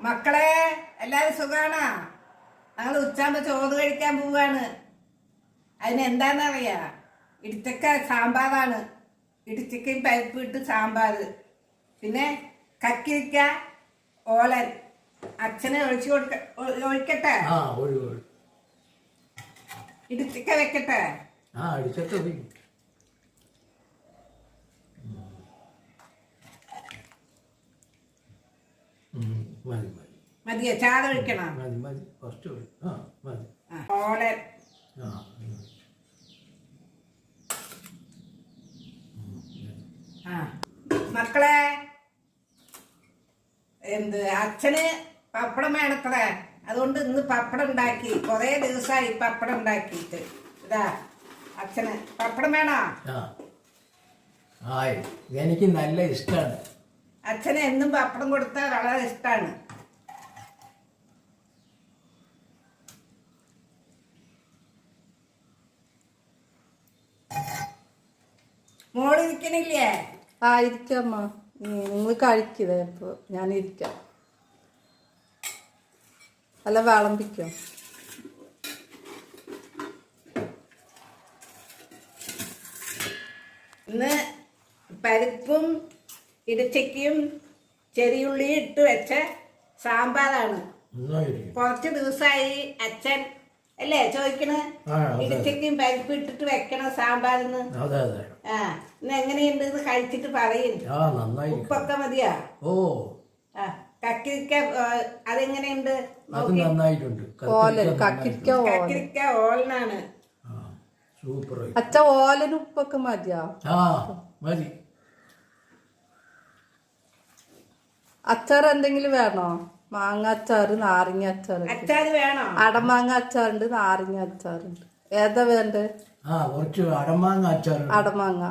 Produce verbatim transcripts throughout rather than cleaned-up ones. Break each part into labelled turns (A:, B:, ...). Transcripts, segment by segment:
A: മക്കളെ എല്ലാരും സുഖാണോ? ഞങ്ങൾ ഉച്ചാകുമ്പോ ചോറ് കഴിക്കാൻ പോവാണ്. അതിനെന്താന്നറിയാ, ഇടിച്ചക്ക സാമ്പാറാണ്. ഇടിച്ചക്കയും പരിപ്പ് ഇട്ട് സാമ്പാർ, പിന്നെ കക്കിരിക്ക ഓലൻ. അച്ഛനെ ഒഴിച്ചു കൊടുക്ക ഒഴിക്കട്ടെ? ഇടിച്ചക്ക വെക്കട്ടെ? മതിയോ? ചാറ് ഒഴിക്കണം? ഓലൻ. ആ മക്കളെ, എന്ത് അച്ഛന് പപ്പടം വേണത്രേ. അതുകൊണ്ട് ഇന്ന് പപ്പടം ഉണ്ടാക്കി. കൊറേ ദിവസമായി പപ്പടം ഉണ്ടാക്കിയിട്ട്. ഇതാ അച്ഛന് പപ്പടം വേണോ?
B: എനിക്ക് നല്ല ഇഷ്ടമാണ്.
A: അച്ഛന് എന്നും പപ്പടം കൊടുത്താൽ വളരെ ഇഷ്ടമാണ്. മോള് ഇരിക്കണില്ലേ?
C: ആ ഇരിക്കമ്മ, നിങ്ങൾ കഴിക്കതേ. ഇപ്പൊ ഞാൻ ഇരിക്കാം. അല്ല വിളമ്പിക്കോ?
A: ഇന്ന് പരിപ്പും ഇടിച്ചക്കയും ചെറിയുള്ളി ഇട്ട് വെച്ച സാമ്പാറാണ്. കുറച്ച് ദിവസമായി അച്ഛൻ അല്ലേ ചോദിക്കണ്, ഇടിച്ചക്കയും പരിപ്പ് ഇട്ടിട്ട് വെക്കണം സാമ്പാറിന്ന്. ആ ഇന്ന് എങ്ങനെയുണ്ട് എന്ന് കഴിച്ചിട്ട് പറയും. ഉപ്പൊക്കെ മതിയാ?
B: ഓ
A: ആ കക്കിരിക്ക അതെങ്ങനെയുണ്ട്? കക്കിരിക്ക ഓലനാണ്.
C: അച്ഛ ഓലന് ഉപ്പൊക്കെ മതിയാ?
B: മതി.
C: അച്ചാർ എന്തെങ്കിലും വേണോ? മാങ്ങ അച്ചാറ്, നാരങ്ങ അച്ചാറ്.
A: അച്ചാറ് വേണോ?
C: അടമാങ്ങ അച്ചാറുണ്ട്, നാരങ്ങ അച്ചാറുണ്ട്. ഏതാ വേണ്ടേ?
B: അടമാങ്ങ അച്ചാർ.
C: അടമാങ്ങ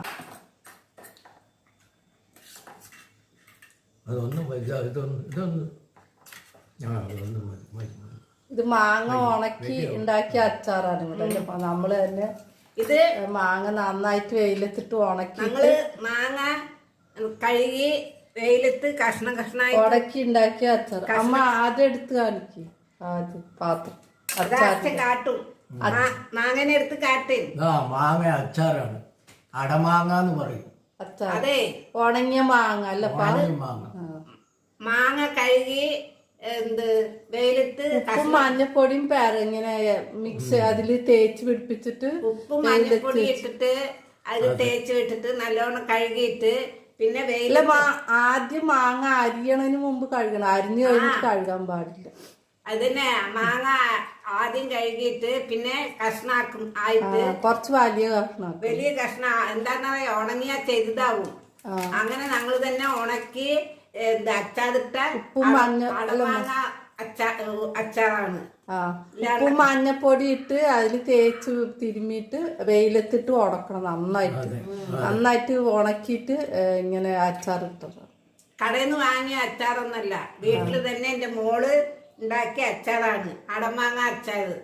C: ഇത് മാങ്ങ ഉണക്കി ഉണ്ടാക്കിയ അച്ചാറാണ്. ഇവിടെ നമ്മള് തന്നെ
A: ഇത്
C: മാങ്ങ നന്നായിട്ട് വെയിലത്തിട്ട് ഉണക്കിട്ട്
A: മാങ്ങ കഴുകി വെയിലത്ത് കഷ്ണം കഷ്ണമായി
C: ഉടക്കി ഉണ്ടാക്കിയ അച്ചാർ. അമ്മ ആദ്യം എടുത്ത് കാണിക്ക്. ആദ്യം പാത്രം
A: കാട്ടും. മാങ്ങനെ എടുത്ത് കാട്ട്.
B: മാങ്ങ അച്ചാറാണ്, അടമാങ്ങ എന്ന് പറയും.
C: അച്ചാർ അതെ, ഉണങ്ങിയ മാങ്ങ അല്ല,
B: മാങ്ങ.
A: മാങ്ങ കഴുകി എന്ത് വെയിലത്ത്
C: ഉപ്പും മഞ്ഞപ്പൊടിയും പേര ഇങ്ങനെ മിക്സ് അതില് തേച്ച് പിടിപ്പിച്ചിട്ട്
A: ഉപ്പും മഞ്ഞപ്പൊടി ഇട്ടിട്ട് അതിൽ തേച്ച് വിട്ടിട്ട് നല്ലോണം കഴുകിയിട്ട് പിന്നെ വെയില
C: ആദ്യം മാങ്ങ അരിയണതിന് മുമ്പ് കഴുകണം. അരിഞ്ഞു കഴിഞ്ഞിട്ട് കഴുകാൻ പാടില്ല.
A: അതിനെ മാങ്ങ ആദ്യം കഴുകിയിട്ട് പിന്നെ കഷ്ണാക്കും. ആയിട്ട്
C: കുറച്ച് വലിയ കഷ്ണം,
A: വലിയ കഷ്ണ എന്താന്ന് പറയാ, ഉണങ്ങിയാ ചെറുതാവും. അങ്ങനെ ഞങ്ങൾ തന്നെ ഉണക്കി അച്ചാറിട്ട
C: ഉപ്പും മഞ്ഞ
A: മാങ്ങ അച്ചാറാണ്.
C: ഉപ്പും മഞ്ഞപ്പൊടി ഇട്ട് അതിൽ തേച്ച് തിരുമ്മിയിട്ട് വെയിലത്തിട്ട് ഉണക്കണം. നന്നായിട്ട് നന്നായിട്ട് ഉണക്കിയിട്ട് ഇങ്ങനെ അച്ചാറിട്ടത്.
A: കടയിൽ നിന്ന് വാങ്ങിയ അച്ചാറൊന്നല്ല, വീട്ടിൽ തന്നെ എന്റെ മോള് ഉണ്ടാക്കിയ അച്ചാറാണ് അടമാങ്ങ അച്ചാറ്.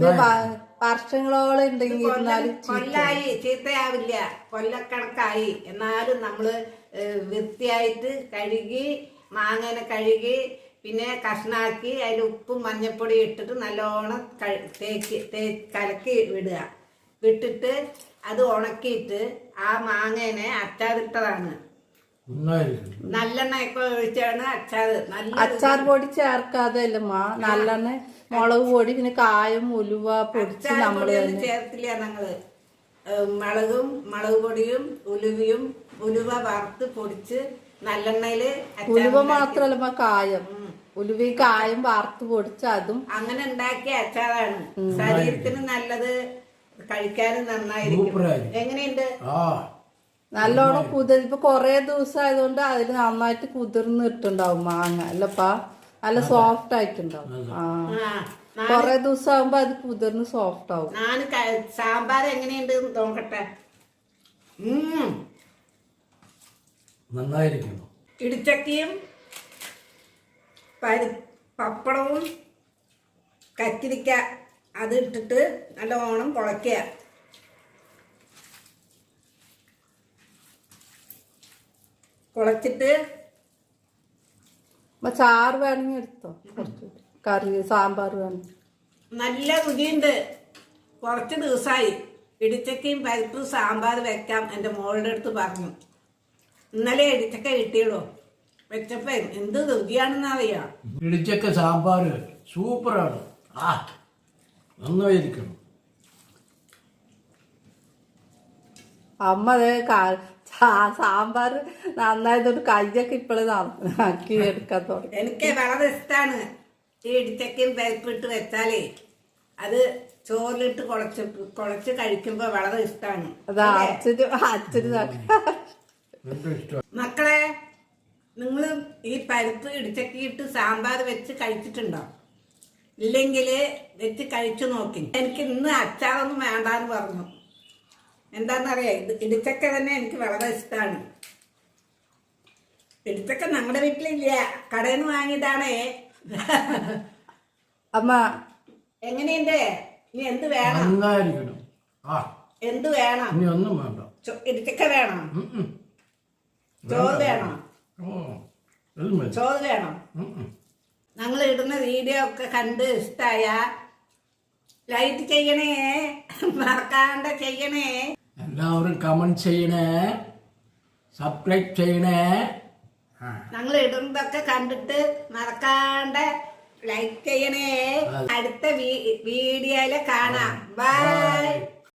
C: വർഷങ്ങളോളം ഉണ്ടെങ്കിൽ
A: കൊല്ലായി, ചീത്തയാവില്ല, കൊല്ലക്കണക്കായി. എന്നാലും നമ്മള് വൃത്തിയായിട്ട് കഴുകി മാങ്ങനെ കഴുകി പിന്നെ കഷ്ണാക്കി അതിൽ ഉപ്പും മഞ്ഞപ്പൊടി ഇട്ടിട്ട് നല്ലോണം തേക്ക് തേ കലക്കി വിടുക. വിട്ടിട്ട് അത് ഉണക്കിയിട്ട് ആ മാങ്ങേനെ അച്ചാറിട്ടതാണ്. നല്ലെണ്ണ ഒക്കെ ഒഴിച്ചാണ് അച്ചാറ്. നല്ല
C: അച്ചാർ പൊടി ചേർക്കാതെ അല്ല മാ, നല്ലെണ്ണ, മുളക് പൊടി, പിന്നെ കായം, ഉലുവ പൊടിച്ച് നമ്മള്
A: ചേർത്തില്ല. ഞങ്ങള് മുളകും മുളക് പൊടിയും ഉലുവയും ഉലുവ വറുത്ത് പൊടിച്ച് നല്ലെണ്ണയില്.
C: ഉലുവ മാത്രല്ല കായം, ഉലുവയും കായം വറുത്ത് പൊടിച്ച് അതും
A: അങ്ങനെ ഉണ്ടാക്കിയ അച്ചാറാണ്. ശരീരത്തിന് നല്ലത്, കഴിക്കാനും നന്നായിരിക്കും. എങ്ങനെയുണ്ട്?
C: നല്ലോണം കുതിർ ഇപ്പൊ കൊറേ ദിവസം ആയതുകൊണ്ട് അതിൽ നന്നായിട്ട് കുതിർന്നിട്ടുണ്ടാവും മാങ്ങ. അല്ലപ്പാ നല്ല സോഫ്റ്റ് ആയിട്ടുണ്ടാവും. ആ കൊറേ ദിവസം ആകുമ്പോ അത് കുതിർന്ന് സോഫ്റ്റ് ആവും.
A: ഞാൻ സാമ്പാർ എങ്ങനെയുണ്ട് നോക്കട്ടെ.
B: നന്നായിരിക്കുന്നു.
A: ഇടിച്ചക്കയും പരി പപ്പടവും കക്കിരിക്ക അത് ഇട്ടിട്ട് നല്ലോണം കുഴക്കുക. കുഴച്ചിട്ട്
C: അമ്മ ചാറ് വേണമെങ്കിൽ എടുത്തോ കുറച്ച് കറി സാമ്പാർ വേണം.
A: നല്ല രുചിയുണ്ട്. കുറച്ച് ദിവസമായി ഇടിച്ചക്കയും പരിപ്പും സാമ്പാർ വെക്കാം എൻ്റെ മോളുടെ അടുത്ത് പറഞ്ഞു. ഇന്നലെ ഇടിച്ചക്ക കിട്ടിയുള്ളൂ. വെച്ചപ്പോ എന്ത് രുചിയാണെന്ന് അറിയാം.
B: ഇടിച്ചക്ക സാമ്പാർ സൂപ്പറാണ്. ആ നന്നായിരിക്കണം.
C: അമ്മ അതേ സാമ്പാർ നന്നായതുകൊണ്ട് കയ്യൊക്കെ ഇപ്പോഴും ആക്കി എടുക്കാൻ തുടങ്ങി.
A: എനിക്ക് വളരെ ഇഷ്ടമാണ് ഈ ഇടിച്ചക്കയും പരിപ്പിട്ട് വെച്ചാലേ. അത് ചോറിലിട്ട് കുളച്ച് കുളച്ച് കഴിക്കുമ്പോ വളരെ ഇഷ്ടമാണ്.
C: അത് അച്ഛന് അച്ഛന്
A: മക്കളെ, നിങ്ങൾ ഈ പരിപ്പ് ഇടിച്ചക്കിയിട്ട് സാമ്പാർ വെച്ച് കഴിച്ചിട്ടുണ്ടോ? ഇല്ലെങ്കിൽ വെച്ച് കഴിച്ചു നോക്കി. എനിക്ക് ഇന്ന് അച്ചാറൊന്നും വേണ്ടാന്ന് പറഞ്ഞു. എന്താണെന്നറിയാം, ഇത് ഇടിച്ചക്ക തന്നെ എനിക്ക് വളരെ ഇഷ്ടമാണ്. ഇടിച്ചക്ക നമ്മുടെ വീട്ടിലില്ല, കടയിൽ നിന്ന് വാങ്ങിയതാണേ.
C: അമ്മ
A: എങ്ങനെയുണ്ട്? ഇനി എന്ത് വേണം?
B: നന്നായിരിക്കണം. ആ
A: എന്ത് വേണം?
B: ഇനി ഒന്നും വേണ്ട.
A: ഇടിച്ചക്ക വേണം?
B: ഉം ഉം.
A: ചോറ് വേണം?
B: ഓ അത് മതി.
A: ചോറ് വേണം?
B: ഉം ഉം.
A: ഞങ്ങൾ ഇടുന്ന വീഡിയോ ഒക്കെ കണ്ട് ഇഷ്ടായ ലൈക്ക് ചെയ്യണേ, മറക്കാണ്ട് ചെയ്യണേ.
B: എല്ലാവരും കമന്റ് ചെയ്യണേ, സബ്സ്ക്രൈബ് ചെയ്യണേ.
A: ഞങ്ങൾ ഇടുന്നതൊക്കെ കണ്ടിട്ട് മറക്കാണ്ട് ലൈക്ക് ചെയ്യണേ. അടുത്ത വീഡിയോയില് കാണാം. ബൈ.